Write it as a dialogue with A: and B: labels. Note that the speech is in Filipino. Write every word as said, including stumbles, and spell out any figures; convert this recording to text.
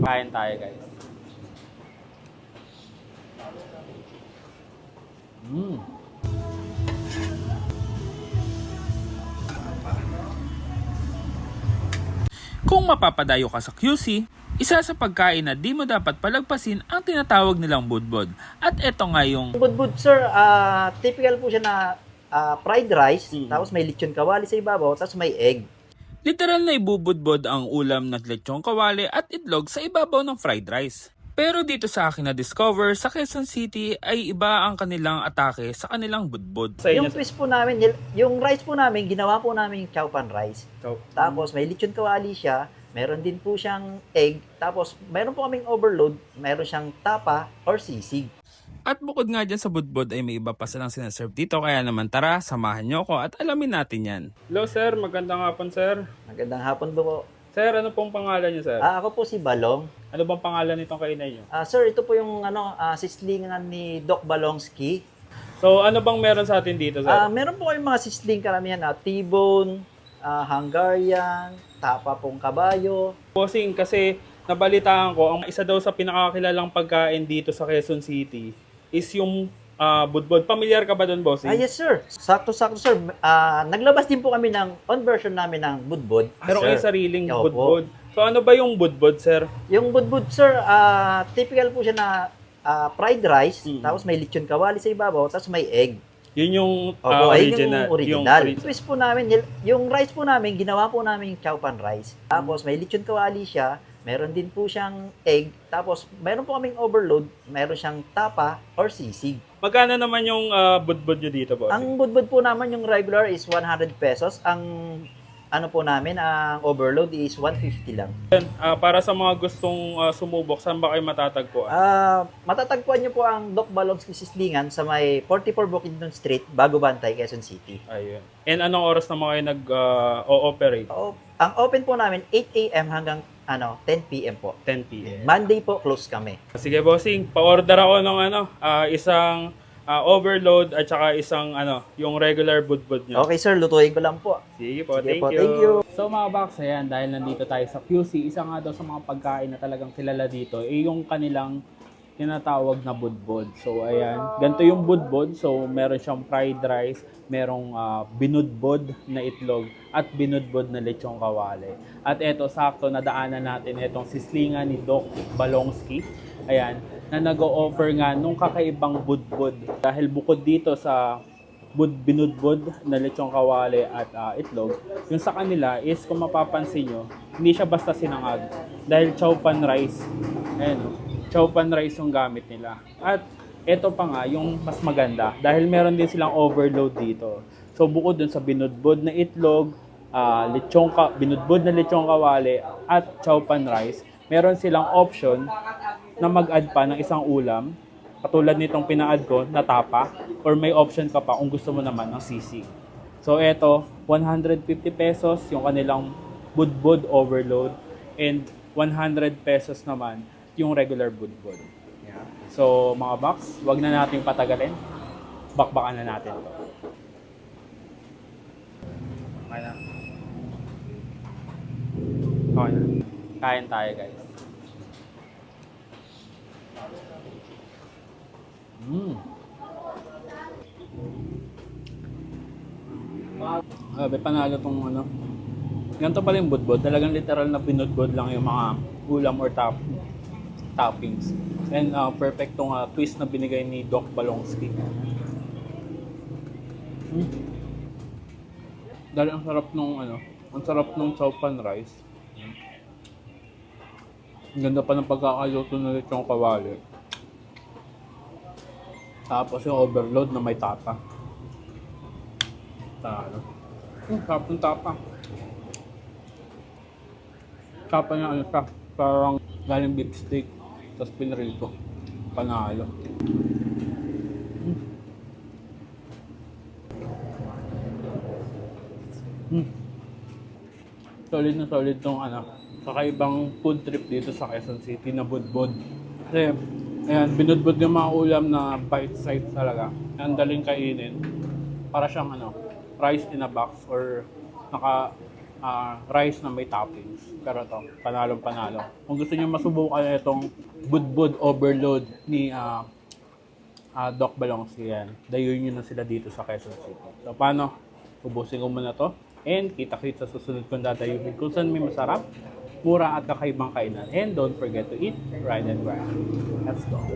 A: Kain tayo, guys. Mm. Kung mapapadayo ka sa Q C, isa sa pagkain na di mo dapat palagpasin ang tinatawag nilang budbod. At eto nga yung
B: Budbud, sir, ah, typical po siya na ah, fried rice,
A: Mm.
B: tapos may lechon kawali sa ibabaw, tapos may egg.
A: literal na ibubudbod ang ulam na lechong kawali at itlog sa ibabaw ng fried rice. Pero dito sa akin na-discover, sa Quezon City ay iba ang kanilang atake sa kanilang budbod.
B: Yung twist po namin, nil- yung rice po namin, ginawa po namin chow pan rice. Tapos may lechon kawali siya, meron din po siyang egg, tapos meron po kaming overload, meron siyang tapa or sisig.
A: At bukod nga dyan sa budbod ay may iba pa silang sinaserve dito, kaya naman tara, samahan nyo ako at alamin natin yan. Hello sir, magandang hapon sir.
B: Magandang hapon po.
A: Sir, ano pong pangalan niyo sir?
B: Ah, ako po si Balong.
A: Ano bang pangalan nitong kainan niyo?
B: Ah, sir, ito po yung ano, ah, sislingan ni Doc Balongski.
A: So ano bang meron sa atin dito sir?
B: Ah, meron po kayong mga sisling karamihan, ah, T-bone, ah, Hungarian, tapa pong kabayo.
A: Bossing, kasi nabalitaan ko, ang isa daw sa pinakakilalang pagkain dito sa Quezon City is yung ah, budbod. Pamilyar ka ba doon, bossing?
B: Ah, yes sir. Sakto-sakto sir. Ah, naglabas din po kami ng on version namin ng budbod.
A: Meron
B: Sir.
A: kayo sariling
B: Opo.
A: budbod. So ano ba yung budbod, sir?
B: Yung budbud sir, ah, typical po siya na ah, fried rice,
A: Mm.
B: tapos may lechon kawali sa ibabaw, tapos may egg.
A: Yun yung
B: Opo,
A: ah,
B: ayun
A: original.
B: yung original.
A: ori-
B: Twist po namin, nil- yung rice po namin, ginawa po namin chow pan rice. Tapos may lechon kawali siya, meron din po siyang egg, tapos meron po kaming overload, meron siyang tapa or sisig.
A: Magkano naman yung ah, budbod nyo dito, bossing?
B: Ang budbud po naman yung regular is one hundred pesos. Ang ano po namin, ang overload is one fifty lang.
A: Ah, para sa mga gustong ah, sumubok, saan ba kayo matatagpuan?
B: Ah, matatagpuan niyo po ang Doc Balongski Sislingan sa may forty-four Bukidnon Street, Bago Bantay, Quezon City.
A: Ayun. And anong oras naman kayo nag-ooperate?
B: O, ang open po namin eight a.m. hanggang ano ten p.m. po.
A: ten p.m.
B: Monday po close kami.
A: Sige, bossing, pa-order ako ng ano, ah, isang ah, overload at saka isang ano, yung regular budbod nyo.
B: Okay sir, lutuin ko lang po.
A: Sige po,
B: Sige
A: thank,
B: po,
A: you.
B: thank you.
A: So mga box, ayan, dahil nandito tayo sa Q C, isa nga daw sa mga pagkain na talagang kilala dito, eh yung kanilang tinatawag na budbod. So ayan, ganito yung budbod. So meron siyang fried rice, merong ah, binudbod na itlog, at binudbod na lechong kawali. At eto, sakto, nadaanan natin itong sislingan ni Doc Balongski. Ayan, na nag-o-offer nga nung kakaibang budbod. Dahil bukod dito sa bud binudbod na lechong kawali at ah, itlog, yung sa kanila is, kung mapapansin nyo, hindi siya basta sinangag. Dahil chow pan rice. Ayan, oh, chow pan rice yung gamit nila. At ito pa nga, yung mas maganda, dahil meron din silang overload dito. So bukod dun sa binudbod na itlog, ah, lechong ka binudbod na lechong kawali at chow pan rice, meron silang option na mag-add pa ng isang ulam, katulad nitong pina-add ko na tapa, or may option ka pa kung gusto mo naman ng sisig. So eto, one hundred fifty pesos yung kanilang budbod overload, and one hundred pesos naman yung regular budbod. Yeah. So mga box, wag na nating patagalin. Bakbakan na natin to. Okay na. Okay na. Kain tayo, guys. Mm. Grabe, panalo tong ano. Ganito pala yung budbod. Talagang literal na binudbod lang yung mga ulam or top, toppings. And uh, perfect tong uh, twist na binigay ni Doc Balongski. Mm. Dahil ang sarap nung ano, ang sarap nung chow pan rice. Ang ganda pa ng pagkakaluto na lechong kawali. Tapos yung overload na may tapa. Talo. Hmm, sarap ng tapa. Tapa niya ano siya, parang galing beef steak, tapos pinrito. Panalo. Hmm. Hmm. Solid na solid tong ano, kakaibang food trip dito sa Quezon City na budbod. Kasi, ayan, binudbod yung mga ulam na bite size talaga. Ang daling kainin. Para siyang ano, rice in a box or naka ah, rice na may toppings. Pero to, panalong panalo. Kung gusto niyo masubukan itong budbud overload ni ah, ah, Doc Balongsi yan, dayuin nyo na sila dito sa Quezon City. So paano? Ubusin ko muna to. And kita-kits sa susunod kong dadayuhin kung saan may masarap, mura at kakaibang kainan. And don't forget to eat, ride and grind. Let's go.